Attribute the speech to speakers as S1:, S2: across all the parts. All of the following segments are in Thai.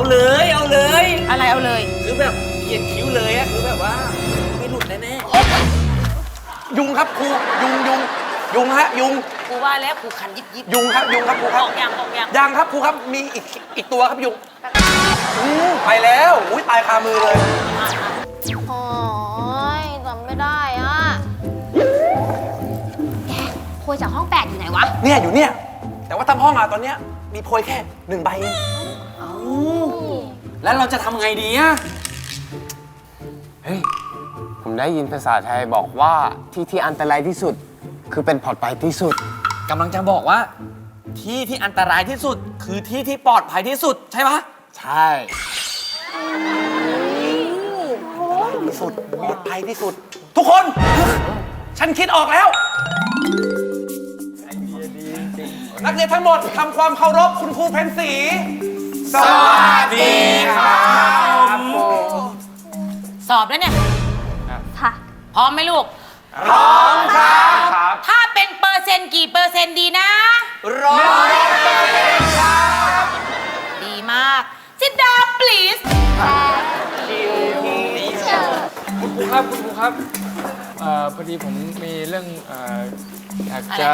S1: เลย
S2: อะไรเอาเลย
S1: คือแบบเขียนคิ้วเลยอะคือแบบว่าไม่หลุดแน่
S3: ยุงครับครูยุงฮะยุง
S2: ครูว่าแล้วครูคันยิบ
S3: ยุงครับครูครับ
S2: ออกยัง
S3: ยังครับครูครับมีอีกตัวครับยุงไปแล้วอุ้ยตายคามือเลย
S4: โอ้ยจำไม่ได้อ่ะแกโพยจากห้อง8อยู่ไหนวะ
S3: เนี่ยอยู่เนี่ยแต่ว่าทั้งห้องอะตอนเนี้ยมีโพยแค่1 ใบเอง
S1: แล้วเราจะทำไงดีอะ
S5: เฮ้ย ผมได้ยินภาษาไทยบอกว่าที่อันตรายที่สุด คือเป็นปลอดภัยที่สุด
S1: กำลังจะบอกว่าที่อันตรายที่สุดคือที่ปลอดภัยที่สุดใช่ปะ
S5: ใช่
S3: ที่สุดปลอดภัยที่สุด ทุกคน ฉันคิดออกแล้ว นักเรียนทั้งหมดทำความเคารพคุณครูเพนสีสวัสดีครับ
S2: สอบแล้วเนี่ย
S4: ค่ะ
S2: พร้อมไหมลูก
S3: พร้อมครับ
S2: ถ้าเป็นเปอร์เซ็นต์กี่เปอร์เซ็นต์ดีนะ
S3: 100%ครับ
S2: ดีมาก sit down please
S6: คุณครูครับพอดีผมมีเรื่องอยากจะ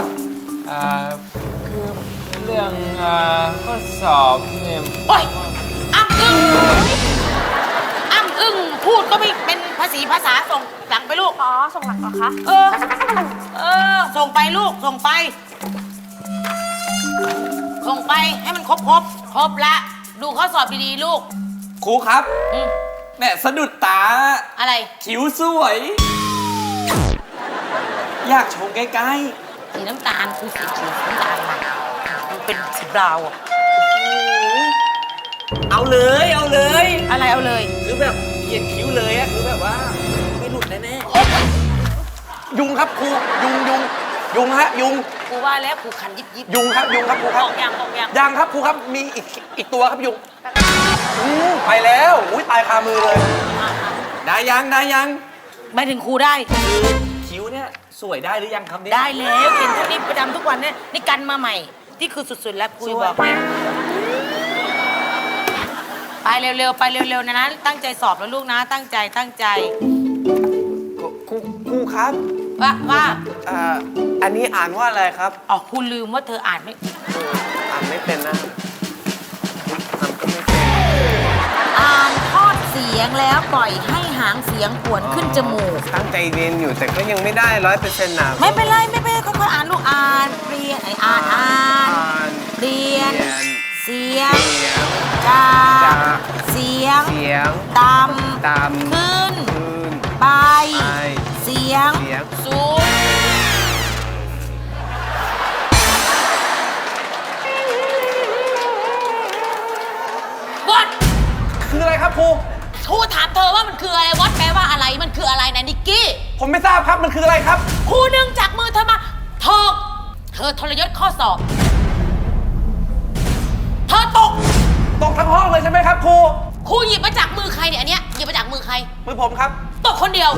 S6: คือเรื่องข้อสอบเนี่ย
S2: โอ๊ยอ้ำอึ้งพูดก็ไม่เป็นภาษาส่งหลังไปลูก
S4: อ๋อ ส่งหลังเหรอคะ
S2: ส่งไปลูก ส่งไปให้มันครบละดูข้อสอบดีๆลูก
S1: ครูครับ
S2: อืม
S1: แม่สะดุดตา
S2: อะไร
S1: คิ้วสวย อยากชมใกล้
S2: สีน้ำตาลคือสีเขียวน้ำตาลมันเป็นสีบราวน์อะ
S1: ๆเอาเลย
S2: อะไรเอาเลย
S1: คือแบบเขียนคิ้วเลยอะคือแบบว่าไม่หลุดแน่
S3: ยุงครับครูยุงฮะยุง
S2: ครูว่าแล้วครูคันยิบ
S3: ยุงครับครูค
S2: อ
S3: รับ
S2: อกยัง
S3: ยังครับครูครับมีอีกตัวครับยุงไปแล้วอุ้ยตายคามือเลย
S1: ๆได้ยัง
S2: ไม่ถึงครูได้
S1: คิ้วเนี่ยสวยได้หรือยังครับเนี่ย
S2: ได้แล้วเห็นทุกนี้ประจำทุกวันเนี่ยนี่กันมาใหม่นี่คือสุดๆแล้วครูบอกเลยไปเร็วๆนะตั้งใจสอบแล้วลูกนะตั้งใจ
S5: ครูครับ
S2: ว่า
S5: อันนี้อ่านว่าอะไรครับ
S2: อ๋อครูลืมว่าเธออ่านไม่
S5: อ่านไม่เป็นนะอ่านก็ไม่เป็น
S2: อ่านทอดเสียงแล้วปล่อยให้หางเสียงขวนขึ้นจมูก
S5: ตั้งใจเรียนอยู่แต่ก็ยังไม่ได้100%นะ
S2: ไม่เป็นไรค่อยๆอ่านลูกอ่านเรียนอ่าน
S5: น
S2: เรียน เสียง
S5: เสียง
S2: จา
S5: จาก
S2: เสียง
S5: เสียง
S2: ต่
S5: ตาม
S2: ำขึ้น
S5: คืน
S2: ไป
S5: ไป
S2: เสียง
S5: เสียง
S2: สูงวอด
S3: คืออะไรครับครู
S2: ครูถามเธอว่ามันคืออะไรวอดแปลว่าอะไรมันคืออะไรนะนิกกี้
S3: ผมไม่ทราบครับมันคืออะไรครับ
S2: ครูดึงจากมือเธอมาเธอทรยศข้อสอบ เธอตก
S3: ตกทั้งห้องเลยใช่ไหมครับครู
S2: ครูหยิบมาจากมือใครเนี่ยอันเนี้ยหยิบมาจากมือใคร
S3: มือผมครับ
S2: ตกคนเดียว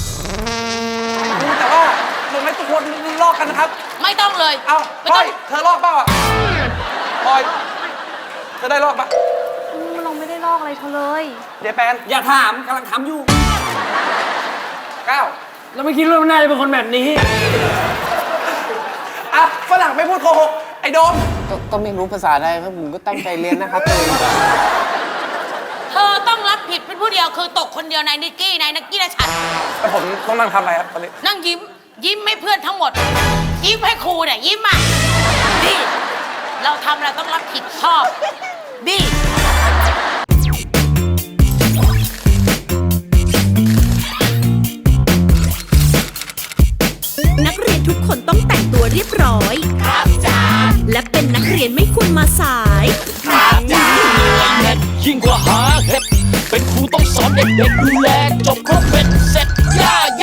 S3: แต่ว่ามันไม่ทุกคนลอกกันนะครับ
S2: ไม่ต้องเลย
S3: เอ้า
S2: ไม่
S3: พล
S2: ต้
S3: อ
S2: อย ง
S3: เธอลอกเปล่าอ่ะพลอยเธอได้ลอกปะ
S4: เราไม่ได้ลอกอะไรเธอเลย
S3: เจแปน
S1: อย่าถามกำลังทำอยู่
S3: ก้าว
S6: เราไม่คิดว่ามันน่าจะเป็นคนแบบนี้
S3: อ่ะฝรั่งไม่พูดโกหกไอ้โดม
S5: ก็ไม่รู้ภาษาไทยครับผมก็ตั้งใจเรียนนะครับตัวเอง
S2: เธอต้องรับผิดเป็นผู้เดียวคือตกคนเดียวนายนิกกี้นายนักกี้และฉัน
S3: แล้วผมต้องนั่งทำอะไรครับตอนนี้
S2: นั่งยิ้มให้เพื่อนทั้งหมด ยิ้มให้ครูเนี่ยยิ้มอ่ะบี้เราทำเราต้องรับผิดชอบบี้
S7: นักเรียนทุกคนต้องแต่งตัวเรียบร้อย ครับจ้าและเป็นนักเรียนไม่ควรมาสาย
S8: ยิ่งกว่าหาเห็ดเป็นครูต้องสอนเด็กๆดูแลจบครบเป็นเสร็จย่า